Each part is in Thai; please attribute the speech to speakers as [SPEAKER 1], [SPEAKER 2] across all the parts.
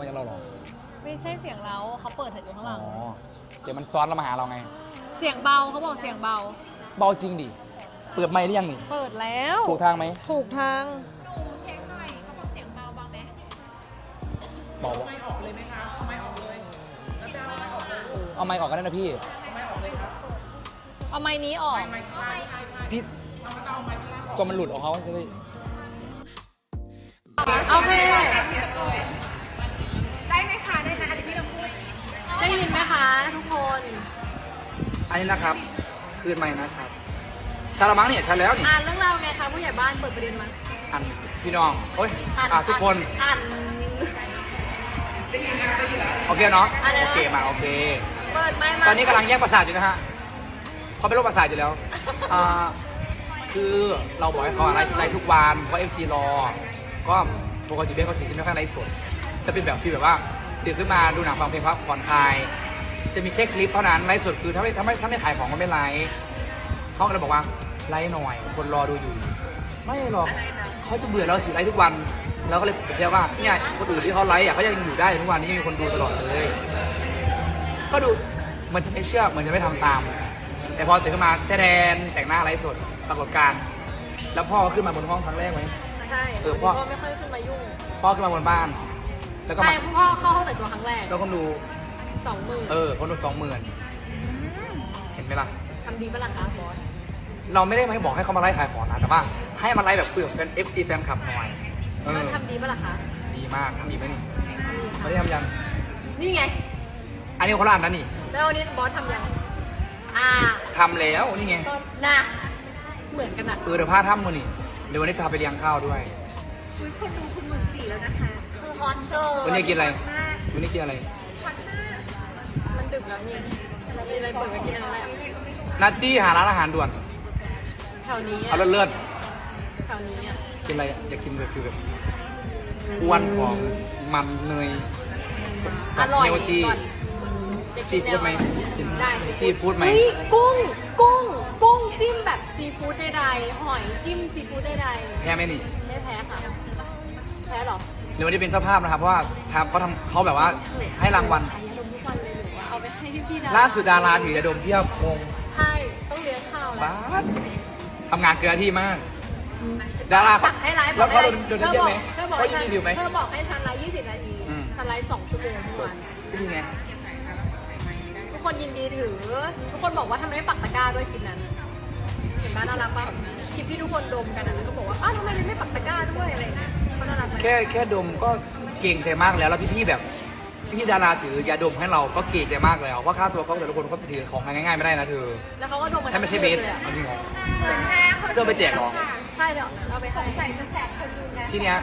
[SPEAKER 1] มาจากเราหรอ
[SPEAKER 2] ไม่ใช่เสียงเราเขาเปิดเถอะอยู่ข้างหลัง
[SPEAKER 1] เสียงมันซ้อนเรามาหาเราไง
[SPEAKER 2] เสียงเบาเขาบอกเสียงเบา
[SPEAKER 1] เบาจริงดิเปิดไมค์หรือยังนี่
[SPEAKER 2] เปิดแล้ว
[SPEAKER 1] ถูกทางไหม
[SPEAKER 2] ถูกทาง
[SPEAKER 3] ดูเช็คหน่อยเขาบอกเสียงเบาบ้างไหม
[SPEAKER 1] เบา
[SPEAKER 3] ไม่ออกเลยไหมคะเอาไม่ออกเลย
[SPEAKER 1] เอาไมค์ออกกันได้นะพี่
[SPEAKER 2] เอาไม้นี้ออก
[SPEAKER 1] พี่ก็มันหลุดออกเขาจะได้
[SPEAKER 2] โอเค
[SPEAKER 3] ได้ไหมคะได้นะอันนี้ที่เราพูด
[SPEAKER 2] ได้ยินไหมคะทุกคน
[SPEAKER 1] อันนี้นะครับคืนไมค์นะครับชาละมั้งเนี่ยชาแล้วนี่
[SPEAKER 2] อ่านเรื่องราวไงคะผู้ใหญ่บ้านเปิดประเด็นมา
[SPEAKER 1] อันพี่น้องโอ้ยทุกคน
[SPEAKER 2] อ่าน
[SPEAKER 1] โอเคเนาะโอเคมาโอเค
[SPEAKER 2] เปิดไมค์มา
[SPEAKER 1] ตอนนี้กำลังแยกประสาทอยู่นะฮะเขาเป็นโรคประสาทอยู่แล้วคือเราบอกให้เขาไลฟ์สไตล์ทุกวันเพราะ FC รอก็ปกติเบสเขาสิ่งที่ไม่ค่อยไลฟ์สดจะเป็นแบบที่แบบว่าตื่นขึ้นมาดูหนังฟังเพลงพักผ่อนคลายจะมีแค่คลิปเท่านั้นไลฟ์สดคือถ้าไม่ขายของก็ไม่ไลฟ์เขาก็เลยบอกว่าไลฟ์หน่อยคนรอดูอยู่ไม่หรอกเขาจะเบื่อเราสิไลฟ์ทุกวันเราก็เลยเรียกว่าเนี่ยคนอื่นที่เขาไลฟ์เขายังอยู่ได้ทุกวันนี้ยังมีคนดูตลอดเลยก็ดูมันจะไม่เชื่อมันจะไม่ทำตามแต่พอตื่นขึ้นมาแต่งหน้าไลฟ์สดปรากฏการณ์แล้วพ่อก็ขึ้นมาบนห้องครั้งแรกไหม
[SPEAKER 2] ใช่พ่อไม่ค่อยขึ้นมายุ่ง
[SPEAKER 1] พ่อขึ้นมาบนบ้านแล้วก็
[SPEAKER 2] ใช่พ่อเข้าห้องแต่งตัวครั้งแรก
[SPEAKER 1] แล้วคนดู
[SPEAKER 2] 20,000
[SPEAKER 1] คนดู20,000เห็นไหมล่ะ
[SPEAKER 2] ทำดีปะล่ะคะบอส
[SPEAKER 1] เราไม่ได้ให้บอกให้เขามาไลฟ์ขายของนะแต่ว่าให้มาไลฟ์แบบคุยกับแฟน FC แฟนคลับหน่อย
[SPEAKER 2] มันทำดีปะล่ะคะ
[SPEAKER 1] ดีมากทำดีไหมนี่ไม่ได้ทำยัง
[SPEAKER 2] นี่ไง
[SPEAKER 1] อันนี้คนละอันนะนี่
[SPEAKER 2] แล้ววันนี้บอสทำยัง
[SPEAKER 1] ทำแล้วนี่ไง
[SPEAKER 2] นะเหมือนกันอ่ะ
[SPEAKER 1] เดี๋ยวพาทำมือนี่เดี๋ยววันนี้จะพาไปเลี้ยงข้าวด้วย
[SPEAKER 3] ชุดคนดูคุณ14,000แล้วนะคะ
[SPEAKER 2] คือฮอตเกิ
[SPEAKER 1] วันนี้กินอะไรวันนี้กินอะไร
[SPEAKER 2] มันดึกแล้วนี่เราไปเปิดกันกินอะไร
[SPEAKER 1] นัตตี้หาร้านอาหารด่วน
[SPEAKER 2] แถวนี้
[SPEAKER 1] เอาเลือด
[SPEAKER 2] แถวนี้
[SPEAKER 1] กินอะไรอยากกินแบบฟิลแบบอ้วนของมันเนย
[SPEAKER 2] อร่อย
[SPEAKER 1] ซีฟู้ดไหม
[SPEAKER 2] ได้
[SPEAKER 1] ซีฟู้ดไหม
[SPEAKER 2] กุ้งจิ้มแบบซีฟู้ดใดๆหอยจิ้มซีฟู้ดใด
[SPEAKER 1] ๆแพ้ไหมนี่
[SPEAKER 2] ไม่แพ้ค่ะแพ้หรอ
[SPEAKER 1] เดี๋ยววันนี้เป็นเจ้าภาพนะครับเพราะว่าเขาแบบว่าให้รางวัล
[SPEAKER 2] ทุกวันเลยหรือว่าเอาไปให้พี่ๆ
[SPEAKER 1] ล่าสุดดาราถือยาดมเพียบงง
[SPEAKER 2] ใช่ต้องเลี้ยงข้าวแล้ว
[SPEAKER 1] ทำงานเกินที่มากดารา
[SPEAKER 2] สั่งให้ไลฟ์
[SPEAKER 1] แล้วเขาโดนเยอะไหมเขายินดีไหม
[SPEAKER 2] เธอบอกให้ฉันไลฟ์20 นาทีฉันไลฟ์2 ชั่วโมงทุกวัน
[SPEAKER 1] นี่ไง
[SPEAKER 2] ทุกคนยินดีถือทุกคนบอกว่าทำไมไม่ปักตะกร้าด้วยคลิปนั้นเห็นบ้านน่ารักป่ะคลิปที่ทุกคนดมกันแล้วก็บอกว่าอ้าวทำไมไม่ปักตะกร้าด้วยอะไรเงี้ยเขาน่ารักไหม
[SPEAKER 1] แค่ดมก็เก่งใจมากแล้วพี่แบบพี่ดาราถือยาดมให้เราก็เก่งใจมากแล้วว่าค่าตัวเขาแต่ละคนเขาถือของง่ายๆไม่ได้นะเธอ
[SPEAKER 2] แล้วเขาก็ดม
[SPEAKER 1] ให้ไม่ใช่เบสเอาจริงเหรอเดินไปแจกหรอ
[SPEAKER 2] ใช่เดี๋ยวเอาไป
[SPEAKER 3] ใส่จะแสกคนดูนะ
[SPEAKER 1] ทีเนี้ย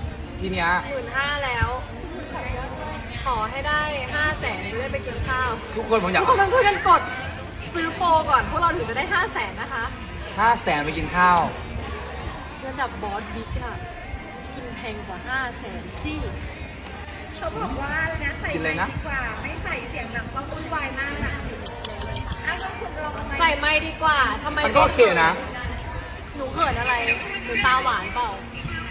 [SPEAKER 2] 15,000แล้วขอให้ได้500,000จะได้ไปกินข้าว
[SPEAKER 1] ทุกคนผมอยาก
[SPEAKER 2] ทุกคนต้องช่วยกันกดซื้อโปรก่อนพวกเราถึงจะได้500,000นะคะ
[SPEAKER 1] 500,000ไปกินข้าว
[SPEAKER 2] ระดับบอสบิ๊กค่ะกินแพงกว่า500,000ที่
[SPEAKER 3] เขาบอกว่านะใส่ไมค์ดีกว่าไม่ใส่เสียงแบบว่าวุ่นวายมากอ่ะต้องคุณลอง
[SPEAKER 2] ใส่ไมค์ดีกว่าทำไม
[SPEAKER 1] มันก็โอเคนะ
[SPEAKER 2] หนูเขินอะไรหนูตาหวานเปล่า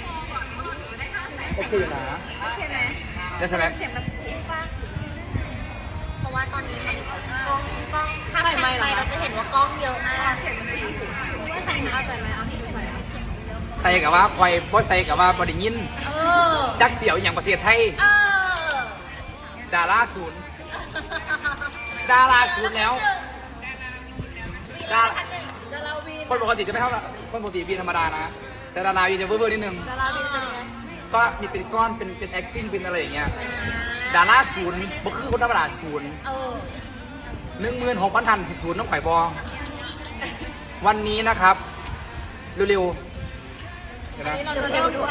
[SPEAKER 1] โอเคนะ
[SPEAKER 3] โอเคไหม
[SPEAKER 1] ได้ใช่ไหม
[SPEAKER 3] เสียงแบบชิดป่ะเพราะว่าตอนนี้มันกล้อง
[SPEAKER 2] ถ้าใส่ไมค์
[SPEAKER 3] เราจะเห็นว่ากล้องเยอะมากเสียงมันถี่
[SPEAKER 2] ว่าใส่เอาใส่ไหมเอาที่ดูใส่
[SPEAKER 1] ใส่กับว่าคอยบ่ใส่กับว่าบริยินจักเสียวอย่างประเทศไทยดาราศูนย์แล้วคนปกติจะไม่เท่าคนปกติบีธรรมดานะแต่ดาราบีจะเวอร์นิดนึงก็มีเป็นก้อนเป็น acting เป็นอะไรอย่างเงี้ยดาราศูนย์บ่คือคนธรรมดาศูนย์16,000 ทันศูนย์น้องไข่บอวันนี้นะครับเร็ว
[SPEAKER 2] ๆเราจะเร็วด้วย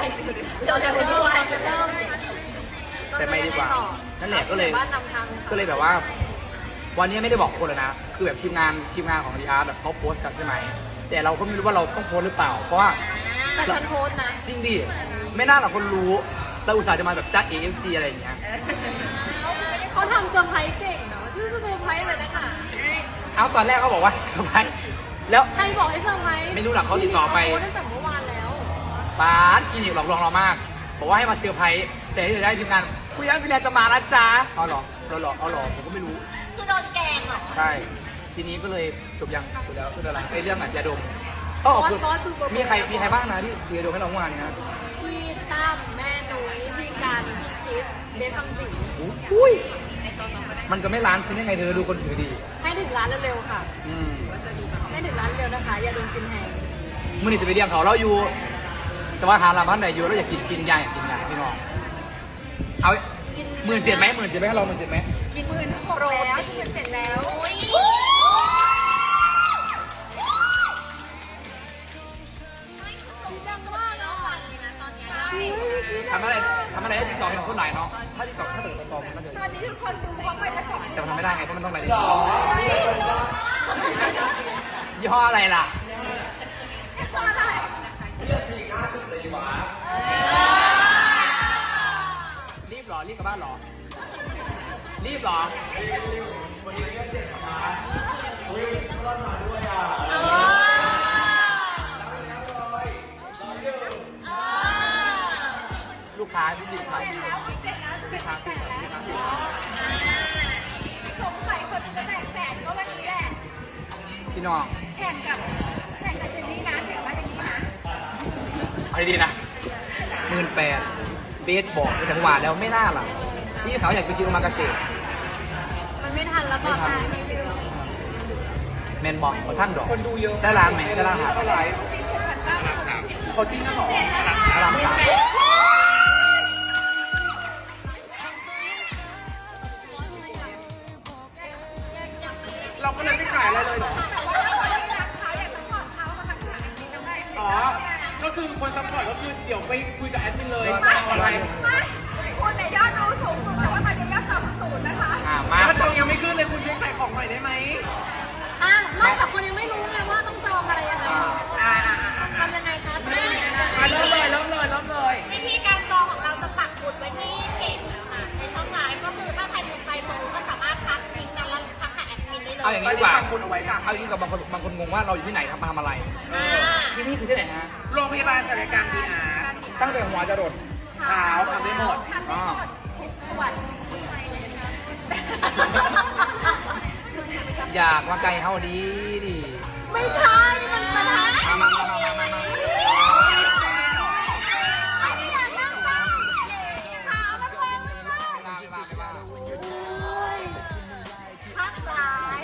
[SPEAKER 1] ใส่ไม่ดีกว่านั่นแหละก็เลยแบบว่าวันนี้ไม่ได้บอกคนเลยนะคือแบบทีมงานของดีอาร์แบบเขาโพสต์กันใช่ไหมแต่เราก็ไม่รู้ว่าเราต้องโพสต์หรือเปล่าเพราะว่า
[SPEAKER 2] แต่ฉันโพสต์นะ
[SPEAKER 1] จริงดิไม่น่าหรอกคนรู้เราอุตส่าห์จะมาแบบจ้า AFC อะไรอย่างเงี้ย
[SPEAKER 2] เขาทำเซอร์ไพรส์เก่งเนาะชื่อเซอร์ไพรส์อะไรนะคะ
[SPEAKER 1] เอาตอนแรกเขาบอกว่าเซอร์ไพรส์แล้ว
[SPEAKER 2] ใครบอกให้เซอร์ไพรส์
[SPEAKER 1] ไม่รู้หรอกเขาติดต่อไป
[SPEAKER 2] ตั้งแต่เมื่อวานแล้ว
[SPEAKER 1] ป้าคลินิกหลอกลวงเรามากบอกว่าให้มาเซอร์ไพรส์แต่ที่จะได้ทีมงานคุยกันพี่แลนจะมานะจ๊ะเอาหรอเอาหรอผมก็ไม่รู้
[SPEAKER 2] คือโดนแกงเหรอ
[SPEAKER 1] ใช่ ทีนี้ก็เลยจบยังจบแล้วคืออะไรไอ้เรื่องยาดมก็ออกมีใครบ้างนะที่ยาดมให้เราเมื่อวานนี้นะ
[SPEAKER 2] พี่ตั้มแม่นุ้ยพี่กันพี่คริสเบสคำสิง
[SPEAKER 1] อุ้ยมันจะไม่ล้านชิ้นยังไงเธอดูคนถือดี
[SPEAKER 2] ให้ถึงร้านเร็วๆค่ะ
[SPEAKER 1] อืม
[SPEAKER 2] ให้ถึงร้านเร็วนะคะ อย่าโดนกินแหง
[SPEAKER 1] มื่อนี้จะไปเลี้ยงเขาเราอยู่ แต่ว่าหาร้านบ้านไหนอยู่เราอยากกินยาอยากกินยาพี่น้องเอา17,000ไหมให้เรา17,000ไหม
[SPEAKER 2] กินหมื่น
[SPEAKER 3] โปรแล้วเสร็จแล้ว
[SPEAKER 2] ดังมากแล้วอ่ะตอนนี้
[SPEAKER 1] ทำอะไรได้ติ๊กต็อกของคนไหนเนาะถ้าติ๊กต็อกถ้าเกิดติ๊กต็อกมันก็จะ
[SPEAKER 3] ตอนนี้ทุกคนดูเขาไปผสม
[SPEAKER 1] แต่มันทำไม่ได้ไงเพราะมันต้องอะไรติ๊กต็อกยี่ห้ออะไรล่ะรีบเหรอรีบกลับบ้านเหรอรีบเหรอ ลูกค้าที่ติดค้าง
[SPEAKER 3] แล้วเสร็จแล้วจะเป็นแสนแล้วสงสัยคนจะแตกแสนก็วันนี้แหละ
[SPEAKER 1] พี่น้อง
[SPEAKER 3] แข่งกับเจนนี่นะแข่งว่าเจนนี่นะ
[SPEAKER 1] เอาดีๆนะ18,000เบสบอกไปถึงหวานแล้วไม่น่าหรอกพี่เขาอยากไปกินโอมากาเสะ
[SPEAKER 2] มันไม่ทันแล้วค่ะ
[SPEAKER 1] แมนบอกท่านดอกคนดูเยอะได้ร้านไหมได้ร้านอาหารเขาจริงนะหรอร้านสามเราก็เลยไม่ขายอะไรเลยเหรอ
[SPEAKER 3] แต่ว่าถ้าคนรักเขาอยากจะขอเขามาทำขายอันนี้ทำได้
[SPEAKER 4] อ๋อ ก็คือคนซัพพอร์ตก็คือเดี๋ยวไปคุยกับแอดมินเลย
[SPEAKER 3] ไม่
[SPEAKER 4] อะไร
[SPEAKER 3] คุณเนี่ยยอดดูสูงสุดแต่ว่าตอนนี้ยอดต่ำสุดนะคะ
[SPEAKER 1] มา
[SPEAKER 4] แล้วจองยังไม่ขึ้นเลยคุณช่วยขายของหน่อยได้ไหม
[SPEAKER 2] อ่ะไม่แต่คนยังไม่รู้ไงว่าต้องจองอะไรยังไง
[SPEAKER 4] อ่า
[SPEAKER 2] ทำยังไงคะ
[SPEAKER 4] เริ่มเลย
[SPEAKER 2] วิธีการจองของเราจะปักหมุดไว้ที่เพจนะคะในช่องไลน์ก็คือถ้าใครสนใจโปรก็สามารถทักลิงก์นั้นแล้วทักหาแอดมินได้เลย
[SPEAKER 1] เอาอย่างนี้ดีกว่า
[SPEAKER 4] ตอนนี้ปักหมุดเอาไว้จ้ะ
[SPEAKER 1] เอาอย่างนี้กับบางคนงงว่าเราอยู่ที่ไหนทำอะไรที่นี่คือที่ไหนฮะ
[SPEAKER 4] โรงพยาบาลศัลยกรรมดีอาร์
[SPEAKER 1] ตั้งแต่หัวจะรด
[SPEAKER 4] ขาวทำได้หมด
[SPEAKER 3] ทำได้หมดทุกส่วน
[SPEAKER 1] อยากมาไกลเฮาดีดิ
[SPEAKER 2] ไม่ใช่มันชนะ
[SPEAKER 1] มา
[SPEAKER 2] อันนี้อยากนั่งบ้างขามันแหว่งเลยพักสาย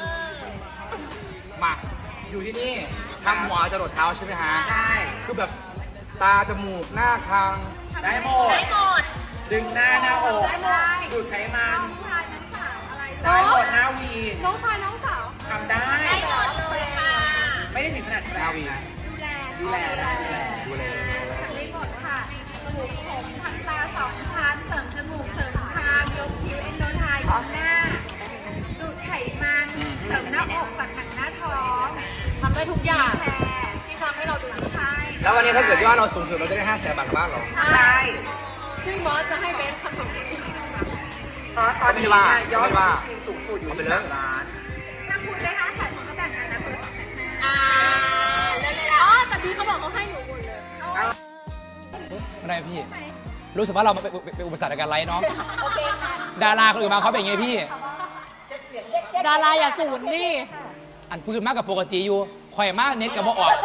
[SPEAKER 1] มาอยู่ที่นี่ทำหัวจะรดเท้าใช่ไหมฮะ
[SPEAKER 4] ใช่
[SPEAKER 1] คือแบบตาจมูกหน้าคาง
[SPEAKER 4] ได้หมด
[SPEAKER 2] ได้หมด
[SPEAKER 4] ดึงหน้าอก
[SPEAKER 3] ได้หมด
[SPEAKER 4] ดูดไขมัน
[SPEAKER 3] น้องชายน้องสาวอะไร
[SPEAKER 4] ได้หมดหน้าวี
[SPEAKER 3] น้องชายน้องสาว
[SPEAKER 4] ทำได้
[SPEAKER 2] ได้หมดเลยค่ะ
[SPEAKER 4] ไม่ได้ถึงขนาดแช
[SPEAKER 1] หน้า
[SPEAKER 4] ร์
[SPEAKER 1] วี
[SPEAKER 3] ดูแล
[SPEAKER 1] ดูแล
[SPEAKER 3] ได้หมดค่ะปลูกผมทำตาสองชั้นเสริมจมูกเสริมคางยกคิ้วเอนโดไทยหน้าดูดไขมันเสริมหน้าอกตัดหนังหน้าท้อง
[SPEAKER 2] ทำได้ทุกอย่าง
[SPEAKER 3] แผล
[SPEAKER 2] ที่ทำให้เราดูดี
[SPEAKER 3] ใช่
[SPEAKER 1] แล้ววันนี้ถ้าเกิดยอดเราสูงสุดเราจะได้500,000 บาทกลับบ้านเหรอ
[SPEAKER 4] ใช่
[SPEAKER 2] ซึ่งบอสจะให้เบสคำสั่งนี้
[SPEAKER 4] เพราะตอนนี้เนี่ยยอดของทีมสูงสุดอยู่ที่3 ล้าน
[SPEAKER 3] ถ้าคุณได้5 แสนคุณก็แบ่งกันนะคุณ2 แสน
[SPEAKER 2] อ่าอ๋อแต่บีเขาบอกเขาให้หนูหมดเลย
[SPEAKER 1] อะไรพี่ รู้สึกว่าเราเป็นอุปสรรคในการไลฟ์เนาะดาราคนอื่นมาเขาเป็นอย่างไงพี่
[SPEAKER 2] ดาราอย่าสูญดิ
[SPEAKER 1] อันพูดมากกับปกติอยู่ข่อยมากเน็ตกับบ่ออก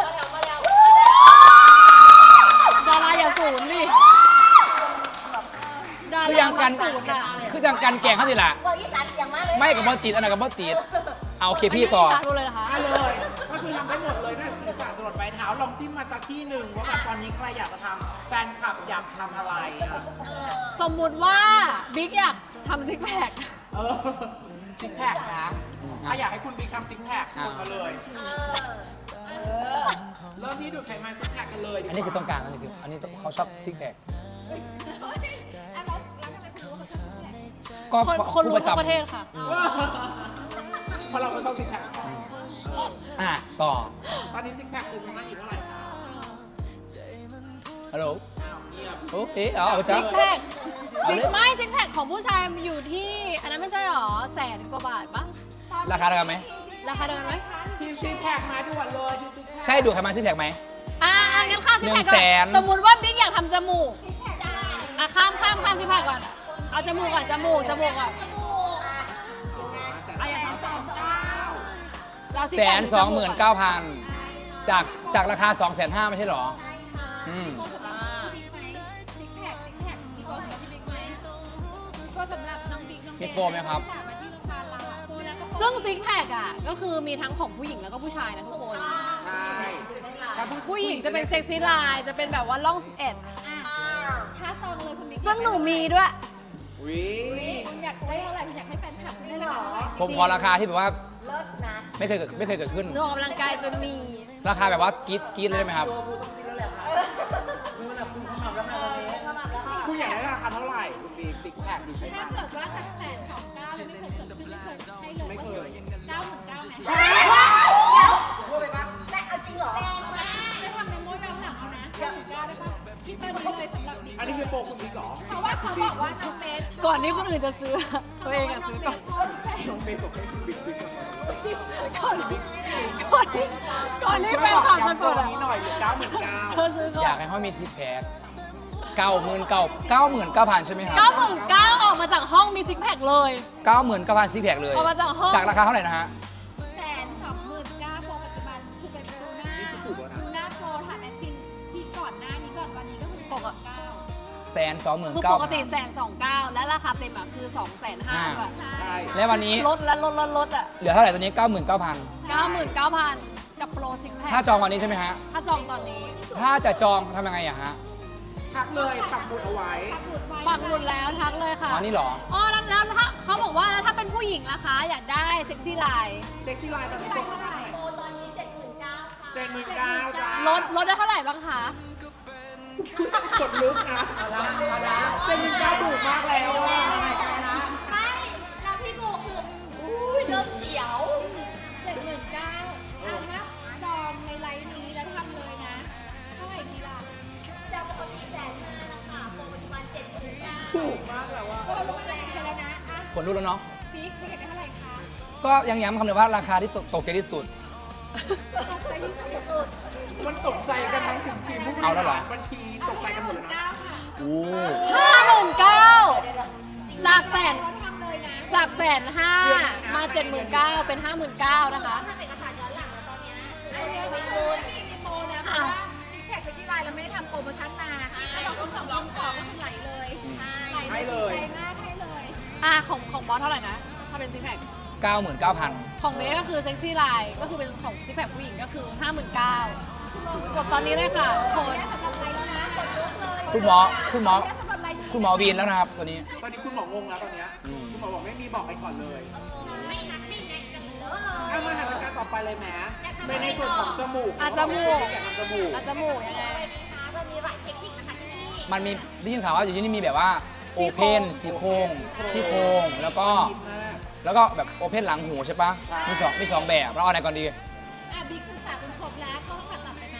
[SPEAKER 2] ดาราอย่าสูญดิดา
[SPEAKER 1] คือ
[SPEAKER 2] รา
[SPEAKER 1] ยังกัน
[SPEAKER 2] สูญอ่ะ
[SPEAKER 1] คือจังกันแกงเขาสิล่ะ
[SPEAKER 5] เบอร์อีสานอย่างมากเลย
[SPEAKER 1] ไม่กับบ่ติดอันนั้นกับบ่ติดเอาโอเคพี่ต่อ
[SPEAKER 2] ดูเลยนะคะ
[SPEAKER 4] ได้เลย ก็คือทำได้หมดเลยตั้งแต่ศีรษะจรดปลายเท้า ลองจิ้มมาสักที่หนึ่งว่าแบบตอนนี้ใครอยากจะทำแฟนคลับอยากทำอะไรอ่ะ
[SPEAKER 2] สมมุติว่าบิ๊กอยากทำซิกแพค
[SPEAKER 4] เออซิกแพคนะ ถ้าอยากให้คุณบิ๊กทำซิกแพคกดมาเลย เริ่มที่ดูดไขมันซิกแพคกันเลยดีกว่า
[SPEAKER 1] อันนี้คือต้องการอันนี้คืออันนี้เขาชอบซิกแพคก็
[SPEAKER 2] คนรู้
[SPEAKER 1] ผู้
[SPEAKER 2] ทั่วประเทศค่ะ
[SPEAKER 4] เพราะเราก็ชอบซิกแพค
[SPEAKER 1] ต่อ
[SPEAKER 4] ตอนนี้ซิกแพคคุณประมาณอีกเท่าไหร่คะ
[SPEAKER 1] ฮัลโหล
[SPEAKER 4] อ้าวเงียบ
[SPEAKER 1] โอเคเอาจ้ะ
[SPEAKER 2] ซิกแพคไม่ซิกแพคของผู้ชายอยู่ที่ อันนั้นไม่ใช่หรอ100,000 กว่าบาทปะ
[SPEAKER 1] ราคาเท่ากันไหม
[SPEAKER 2] ราคาเดิมไหม
[SPEAKER 4] ทีมซิกแพคมาด่วนเลยทีมซิกแพค
[SPEAKER 1] ใช่ดูดไขมันซิกแพคไหม
[SPEAKER 2] งั้นข้ามซิกแพคก่อน
[SPEAKER 1] 100,000
[SPEAKER 2] สมมุติว่าบิ๊กอยากทำจมูกอ่ะข้ามซิกแพคก่อนเอาจมูกก่อนจมูกก่อนเอาอย่างนั้นเรา
[SPEAKER 1] 129,000จากราคา 250,000ไม่ใช่หรออืม
[SPEAKER 3] ซิกแพคมีโปรสำหรับพี่บิ๊กไหมมีโปรสำหรับน้องบิ๊กน้องเบ
[SPEAKER 1] มีโปรไหมครับ
[SPEAKER 3] มาที่โรงพยาบาลเราอะโปรแล้วก็โปร
[SPEAKER 2] ซึ่งซิกแพคอ่ะก็คือมีทั้งของผู้หญิงแล้วก็ผู้ชายนะทุกคน
[SPEAKER 4] ใช่ถ้า
[SPEAKER 2] ผู้หญิงจะเป็นเซ็กซี่ไลน์จะเป็นแบบว่าล่อง11
[SPEAKER 3] อ่ะถ้าซองเลยคุณบิ๊ก
[SPEAKER 2] ซึ่งหนูมีด้วย
[SPEAKER 4] วิ
[SPEAKER 3] คุณอยากได้เท่าไหร่คุณอยากให้แฟนคลับได้หรอ
[SPEAKER 1] ผมขอราคาที่แบบว่าไม่เคยเกิดขึ้น
[SPEAKER 2] หนูออกกำลังกายจนมี
[SPEAKER 1] ราคาแบบว่ากรี๊ดเลยได้ไหมครับ
[SPEAKER 4] คุณอยากได้ราคาเท่าไหร่คุณบีซิกแพคดูใช่ไหม
[SPEAKER 3] ถ้าเกิดว่าจาก129แล้วไม่เคยเกิดขึ้นไม่เคยให้เลย
[SPEAKER 4] ไม่เคย
[SPEAKER 3] 99,000
[SPEAKER 4] พูดไปปะ
[SPEAKER 3] ไม่ทำเมมโมย้อนหลังเอานะ99ได้ปะคิดไปเลยสำหรับบิ๊ก
[SPEAKER 4] อันนี้คือโปรคุณบิ๊กเหรอ
[SPEAKER 3] เพราะว่าเขาบอกว่าน้องเบส
[SPEAKER 2] ก่อนที่คนอื่นจะซื้อ ตัวเองอะซื้อก่อน
[SPEAKER 4] น้องเบสบอกให้คุณบิ๊กซื้อก่อน
[SPEAKER 2] ก่อนที่แฟนคลับจะกด
[SPEAKER 4] อั
[SPEAKER 2] อะ
[SPEAKER 4] นี้หน่อยเหลือ99,000
[SPEAKER 2] เธอซื้อก่อ
[SPEAKER 1] อยาก
[SPEAKER 2] น
[SPEAKER 1] ให้เขามีซิกแพค99,000ใช่ไหมครับ
[SPEAKER 2] 99,000ออกมาจากห้องมีซิกแพคเลย
[SPEAKER 1] 99,000ซิกแพคเลย
[SPEAKER 2] ออกมาจากห้อง
[SPEAKER 1] จากราคาเท่าไหร่นะฮะ
[SPEAKER 3] 129,000โปรปัจจุบันคือเป็นดูหน้าดูหน้าโปรถามแอดมินที่ก่อนหน้านี้ก่อนวันนี้ก็คือ129,000
[SPEAKER 2] คือปกติ129,000และราคาเต็มอะคือ250,000แบบ
[SPEAKER 4] ใช่
[SPEAKER 1] แล้ววันนี้
[SPEAKER 2] ลดและลดอะ
[SPEAKER 1] เหลือเท่าไหร่ตัวนี้ 99,000
[SPEAKER 2] 99,000กับโปรซิกแพค
[SPEAKER 1] ถ้าจองวันนี้ใช่ไหมฮะ
[SPEAKER 2] ถ้าจองตอนนี้
[SPEAKER 1] ถ้าจะจองทำยังไงอะฮะ
[SPEAKER 4] ทักเลยปักหมุดเอาไว้
[SPEAKER 2] ปักหมุดแล้วทักเลยค่ะ
[SPEAKER 1] อ๋อนี่เหรอ
[SPEAKER 2] อ๋อแล้วถ้าเขาบอกว่าแล้วถ้าเป็นผู้หญิงล่ะคะ อยากได้เซ็กซี่ไลน์
[SPEAKER 4] เซ็กซี่ไลน์ตอนนี้โปรเท่าไหร่โปรตอนนี้79,000จ้า
[SPEAKER 2] ลดได้เท่าไหร่บ้างคะ
[SPEAKER 4] กดลุกนะ79,000ถูกมากแล้วอ่ะ
[SPEAKER 3] ไม่แล้วพี่โบคืออุ้ยเริ่มเขียว719,000ถ้าจองในไลน์นี้แล้วทำเลยนะเท่าไหร่ดีล่ะ
[SPEAKER 4] ถูกมากแล้วอ่ะ
[SPEAKER 3] ก็ลงมาแล้วนะอ่ะ
[SPEAKER 1] คนรู้แล้วเนาะ
[SPEAKER 3] บิ๊กคุณอยากได้เท่าไหร่คะ
[SPEAKER 1] ก็ยังย้ำคำเดิมว่าราคาที่ตกใจที่สุด
[SPEAKER 3] ตกใจที่สุด
[SPEAKER 4] มันตกใจกันทั้งถึงทีมผู้บ
[SPEAKER 1] เอาแล้ว
[SPEAKER 4] ริ
[SPEAKER 1] เหรอ
[SPEAKER 4] หารบัญชีตกใจกันหมดเลยนะ
[SPEAKER 3] 9,000
[SPEAKER 1] โอ้
[SPEAKER 2] 59,000จากแสน
[SPEAKER 3] ทำเลยนะ
[SPEAKER 2] จาก150,000มา79,000เป็น59,000นะคะ
[SPEAKER 3] ทำเอกสารย้อนหลังแล้วตอนเนี้ยอันนี้มีโปรนะเพราะว่าซิกแพคเซ็กซี่ไลน์เราไม่ได้ทำโปรโมชั่นมาถ้าเราต้อง2 2ก็คือไหลเลยไหลมากให้เลย
[SPEAKER 2] ของบอสเท่าไหร่นะ ถ้าเป็นซิกแพค
[SPEAKER 1] 99,000
[SPEAKER 2] ของเบสก็คือเซ็กซี่ไลน์ก็คือเป็นของซิกแพคผู้หญิงก็คือ59,000กดตอนนี้เลยค่ะโคน
[SPEAKER 1] คุณหมอวีนแล้วนะครับตัวนี้
[SPEAKER 4] ตอนนี้คุณหมองงแล้วตอนเนี้ยคุณหมอบอกไม่มีบอกไปก่อนเลย
[SPEAKER 3] ไม่นักไม่ไงกันเลย
[SPEAKER 4] ถ้ามาหันการต่อไปเลยแหมในส่วนของจมูก
[SPEAKER 2] จมูก
[SPEAKER 4] อยากทำจมูก
[SPEAKER 2] จมูกยังไง
[SPEAKER 3] เรามีหลายเทคนิคนะคะที่นี่
[SPEAKER 1] มันมีได้ยินข่าวว่าอยู่ที่นี่มีแบบว่าโอเพนซี่โครงแล้วก็แบบโอเพนหลังหูใช่ปะมีสองแบบเราเอาไหนก่อนดี
[SPEAKER 3] บิ๊กศึกษาจนครบแล้วก็ผ่าตัดเลยไหม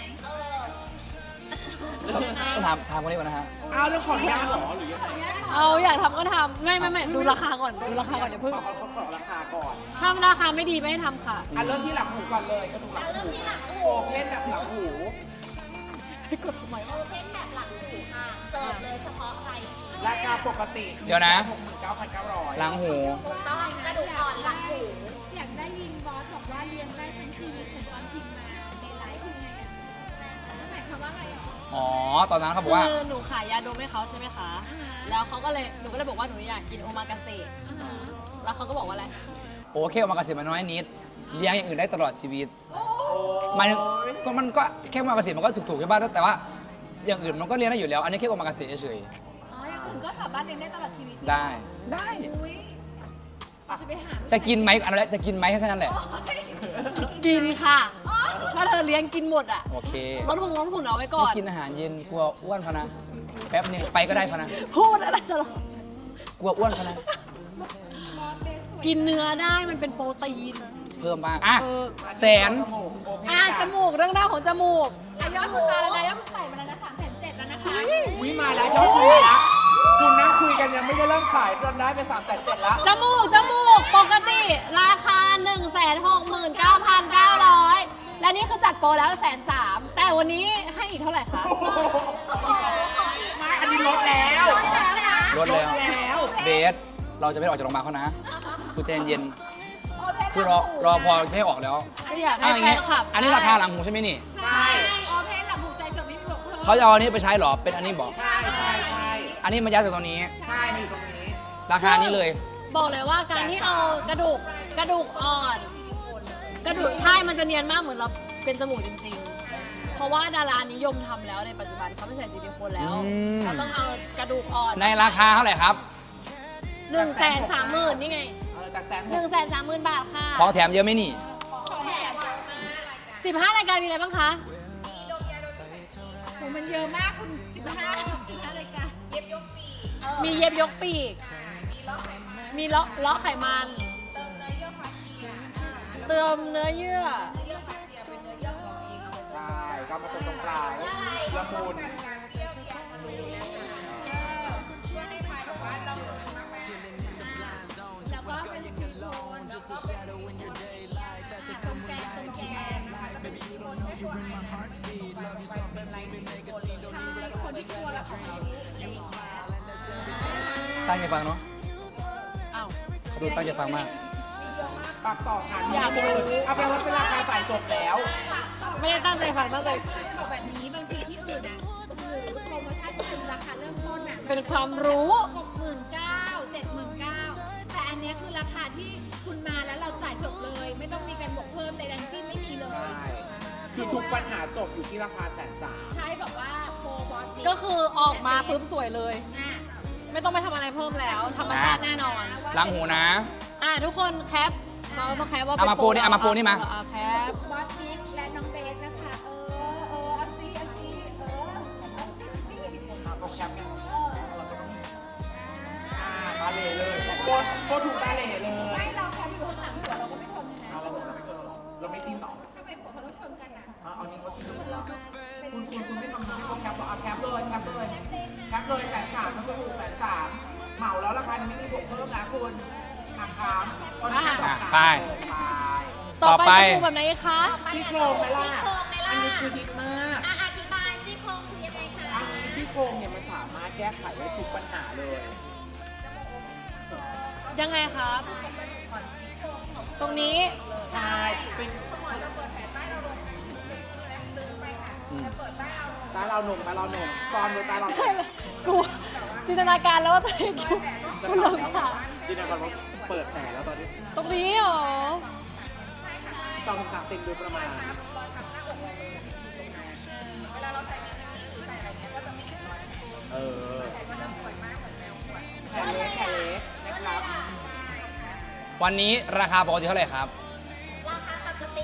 [SPEAKER 1] ต้องถามคนนี้ก่อนนะฮะ
[SPEAKER 4] อ้าวแล้วขออนุญาตเหรอหรือยังไง
[SPEAKER 2] เอาอยากทำก็ทำไม่ดูราคาก่อนดูราคาก่อนเดี๋ยวเพิ่ง
[SPEAKER 4] ขอราคาก่อน
[SPEAKER 2] ถ้าราคาไม่ดีไม่ให้ทำค่ะ
[SPEAKER 4] เริ่มที่หลังหูก่อนเลยกระดูกหลังหูโอเพนแบบหลังหู
[SPEAKER 2] กดทำไม
[SPEAKER 3] โอเพนแบบหลังหูค่ะเสิร์ฟเลยเฉพาะใครดี
[SPEAKER 4] ราคาปกติ
[SPEAKER 1] เดี๋ยวนะ
[SPEAKER 4] 69,900
[SPEAKER 1] หลังหู
[SPEAKER 3] ถูกต้องกระดูกอ่อนหลังหู
[SPEAKER 5] อยากได้ยินบอสบอกว่าเลี้ยงได้ทั้งชีวิตเหมือนตอนพิมพ์มาในไลฟ์คือไงอ่ะหมายความว่าอะไรหรอ
[SPEAKER 1] อ๋อตอนนั้นเขาบอกว่า
[SPEAKER 2] คือหนูขายยาดมให้เขาใช่ไหมคะ แล้วเขาก็เลยหนูก็เลยบอกว่าหนูอยากกินโอมากาเสะแล้วเขาก็บอกว่าอะไร
[SPEAKER 1] โอเคออกมากระสิมันน้อยนิดเลี้ยงอย่างอื่นได้ตลอดชีวิตมันก็แค่โอมากาเสะมันก็ถูกๆใช่ป่ะแต่ว่าอย่างอื่นมันก็เลี้ยงได้อยู่แล้ว อันนี้แค่โอมากาเสะเฉย
[SPEAKER 5] อ๋อ อย่างอื่นก็สามารถเลี้ยงได้ตลอดชีวิต
[SPEAKER 1] ๆได้
[SPEAKER 5] อุ้ยจะไปหา
[SPEAKER 1] จะกินไหมอันนั้นแหละจะกินไหมแค่นั้นแหละ
[SPEAKER 2] กินค่ะ ถ้าเธอเลี้ยงกินหมดอ่ะ
[SPEAKER 1] โอเค
[SPEAKER 2] ลดหุ่นเอาไว้ก่อ
[SPEAKER 1] ไม่
[SPEAKER 2] น
[SPEAKER 1] กินอาหารเย็นกลัวอ้วนพะนะแป๊บนึงไปก็ได้พะนะ
[SPEAKER 2] พูดอะไรตลอด
[SPEAKER 1] กลัวอ้วนพะนะ
[SPEAKER 2] กินเนื้อได้มันเป็นโปรตีน
[SPEAKER 1] เพิ่มบ้างอ่ะ
[SPEAKER 2] เออ
[SPEAKER 1] แสน
[SPEAKER 2] จมูกเรื่องราวของจมูก
[SPEAKER 5] ยอดคุณมาแล้วนะยอดคุณใส่มาแล้วนะ3,700แล้วนะคะ
[SPEAKER 4] วิมาแล้วยอดคุยนะคุณนั่งคุยกันยังไม่ได้เริ่มขายจนได้ไป3,700แล้ว
[SPEAKER 2] จมูกปกติราคา 169,900 และนี่คือจัดโปรแล้ว130,000แต่วันนี้ให้อีกเท่าไหร่คะ
[SPEAKER 4] ไม่อันนี้ลดแล้ว
[SPEAKER 1] ลดแล้ว
[SPEAKER 4] แล้ว
[SPEAKER 3] เพ
[SPEAKER 1] เบสเราจะไม่ออกจากโรงพยาบาลเขานะคุณใจเย็นๆคือรอพอไม่ให้ออกแล้ว
[SPEAKER 2] ก็อยาก
[SPEAKER 1] อ้า
[SPEAKER 2] ให้
[SPEAKER 1] วอย่าง
[SPEAKER 2] แฟ
[SPEAKER 1] งี้
[SPEAKER 2] นคลับ
[SPEAKER 1] อันนี้ราคาหลังหูใช่ไหมนี่
[SPEAKER 4] ใช่
[SPEAKER 3] ออเพนหลับหูใจจบไม่มีบวกเพิ่ม
[SPEAKER 1] เขาจะเอาอันนี้ไปใช้เหรอเป็นอันนี้บอก
[SPEAKER 4] ใช่ใช่ใช่
[SPEAKER 1] อันนี้มันยัดจากตรงนี้
[SPEAKER 4] ใช่มาอยู่ตรงนี้
[SPEAKER 1] ราคานี้เลย
[SPEAKER 2] บอกเลยว่าการที่เอากระดูกอ่อน กระดูกใช่มันจะเนียนมากเหมือนเราเป็นจมูกจริงๆ เพราะว่าดารานิยมทำแล้วในปัจจุบันเขาไม่ใส่ซิลิโคนแล้วเขาต้องเอากระดูกอ่อน
[SPEAKER 1] ในราคาเท่าไหร่ครับ
[SPEAKER 2] 130,000นี่ไง
[SPEAKER 4] จาก130,000
[SPEAKER 2] 130,000 บาทค่ะ
[SPEAKER 1] ของแถมเยอะไหมนี่
[SPEAKER 2] 15 รายการมีอะไรบ้างคะ
[SPEAKER 3] โหมันเยอะมากคุณ15รายการ
[SPEAKER 2] มีเย็บยกปีก มีเลาะไขมัน เติมเนื้อเยื่อ
[SPEAKER 4] ใช่ก็มาตรงกลางละมุน
[SPEAKER 3] แล้วก็เป็นซิลิโคนแล้วก็เป็นตรงแกนนะคะก็เป็นซิลิโคนไม่ควรคนที่กลัวแบบของเรา
[SPEAKER 1] ตั้งใจฟังเนาะ
[SPEAKER 2] อ้าว
[SPEAKER 1] เขาดูตั้งใจฟังมาก
[SPEAKER 4] ปรับต่อค่ะ
[SPEAKER 2] อยากรู้
[SPEAKER 4] เอาเป็นว่าเป็นราคาจ่ายจบแล้ว
[SPEAKER 2] ไม่ได้ตั้งใจฟังตั้งใจ
[SPEAKER 3] บอกแบบนี้บางทีที่อื่นอ่ะคือโปรโมชั่นคือราคาเริ่มต้นอ่ะ
[SPEAKER 2] เป็นความรู้
[SPEAKER 3] 69,000 79,000แต่อันเนี้ยคือราคาที่คุณมาแล้วเราจ่ายจบเลย ไม่ต้องมีการบวกเพิ่มใดๆทั้งสิ้นไม่มีเลย
[SPEAKER 4] ใช่ คือทุกปัญหาจบอยู่ที่ราคา130,000
[SPEAKER 3] ใช่แบบว่าโปรบอส
[SPEAKER 2] ก็คือออกมาปุ๊บสวยเลย
[SPEAKER 3] อ่ะ
[SPEAKER 2] ไม่ต้องไปทำอะไรเพิ่มแล้ว ธรรมชาติแน่นอน
[SPEAKER 1] ล้างหูนะ
[SPEAKER 2] ทุกคนแคปเราต้องแคปว่า
[SPEAKER 1] เอามาปูนี่เอามาปูนี่มา
[SPEAKER 2] แคป
[SPEAKER 3] บอสบิ๊กและน้องเบสนะคะ เอาซิเอาซิ
[SPEAKER 4] โปรแกรมเนี่ยเราจะต้องบาเล่เลยโคตรถูกบาเล่เลย
[SPEAKER 3] ไม่เราแค่อยู่ข้างหลังหัวเราก็ไม่ชนกันนะ
[SPEAKER 4] เอาเราไม่ชนหรอเราไม่จิ้มหรอ
[SPEAKER 3] ทำไมหัวเขาต้องชนกันอ่ะ
[SPEAKER 4] เอานี้เขาจิ้มหรอคุณไม่ทำให้เขาแคปหรอเอาแคปเลยแคปเลยแคปเลย130,000ทั้งถูก130,000เหมาแล้วราคานี้ไม่มีบวกเพิ่มนะคุณหักคามตอนนี้สองขา
[SPEAKER 1] ไป
[SPEAKER 2] ต่อไป
[SPEAKER 1] ต่อไป
[SPEAKER 2] จะดูแบบไหนคะ
[SPEAKER 4] ซี่โครงไหมล่ะอันนี้คือฮิตมาก
[SPEAKER 3] อธิบายซี่โครงคือยังไงคะ
[SPEAKER 4] อันนี้ซี่โครงเนี่ยมันสามารถแก้ไขได้ทุกปัญหาเลย
[SPEAKER 2] ยังไงครับ ตรงนี้
[SPEAKER 4] ใช่เป็นตาเราหนุ่มตาเราหนุ่มซ้อนด้วยตาเราหนุ่ม
[SPEAKER 2] กูจินตนาการแล้วว่าตัวเองอยู่คุณลงค่ะ
[SPEAKER 4] จินตนาการว่าเปิดแผลแล้วตอนนี้
[SPEAKER 2] ตรงนี้เหรอ
[SPEAKER 4] 2-3 เซนโดยประมาณเออแผลเล็กนะครับ
[SPEAKER 1] วันนี้ราคาปกติเท่าไหร่ครับ
[SPEAKER 3] ราคาปกติ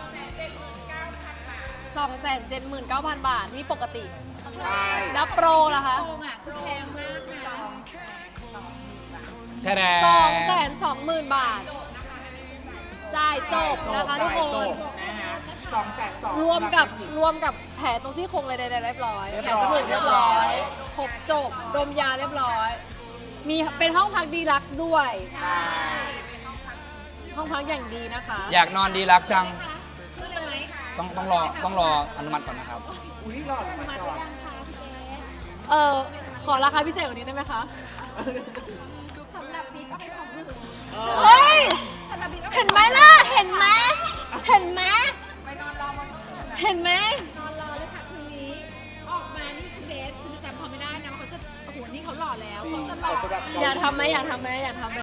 [SPEAKER 2] 279,000 บาท นี่ปกติ
[SPEAKER 4] ใช่
[SPEAKER 2] แล้วโปรล่ะคะ
[SPEAKER 3] โครงอ่ะคือแพงมากนะ
[SPEAKER 1] แท้แด
[SPEAKER 2] 220,000 บาท จ่ายจบนะคะทุกคน
[SPEAKER 4] จบนะฮะ220,000
[SPEAKER 2] รวมกับแผลตรงซี่โครงอะไรใดๆเรียบร้อย
[SPEAKER 4] เรียบ
[SPEAKER 2] แผล
[SPEAKER 4] ร้อย
[SPEAKER 2] จมูกเรียบร้อย ครบจบ ดมยาเรียบร้อย มีเป็นห้องพักดีลักซ์ด้วย
[SPEAKER 4] ใช่
[SPEAKER 2] ห้องพักอย่างดีนะคะ
[SPEAKER 1] อยากนอนดีรักจัง
[SPEAKER 3] คือเลยไหม
[SPEAKER 1] ต้องรออนุมัติก่อนนะครับ
[SPEAKER 4] อุ้ยหล่อมา
[SPEAKER 3] มา
[SPEAKER 4] ก่อน
[SPEAKER 3] ยังคะพี่เบส
[SPEAKER 2] ขอราคาพิเศษกว่านี้ได้ไหมคะ
[SPEAKER 3] สำหรับบิ๊กก็ให้ของหนึ่ง
[SPEAKER 2] เฮ้ย
[SPEAKER 3] สำหรับบิ๊กก็
[SPEAKER 2] เห็นไหมล่ะ เห็นไหม เห็นไหม
[SPEAKER 3] ไปนอนรอบนห้อง
[SPEAKER 2] เห็นไหม
[SPEAKER 3] นอนรอเลยค่ะคืนนี้ ออกมานี่คือเบสคือจะจำเขาไม่ได้นะเขาจะโอ้โหนี่เขาหล่อแล้วเขาจะหล่อ
[SPEAKER 4] เขาจะแบบ
[SPEAKER 2] อยากทำไหมอยากทำไหมอยากทำไหม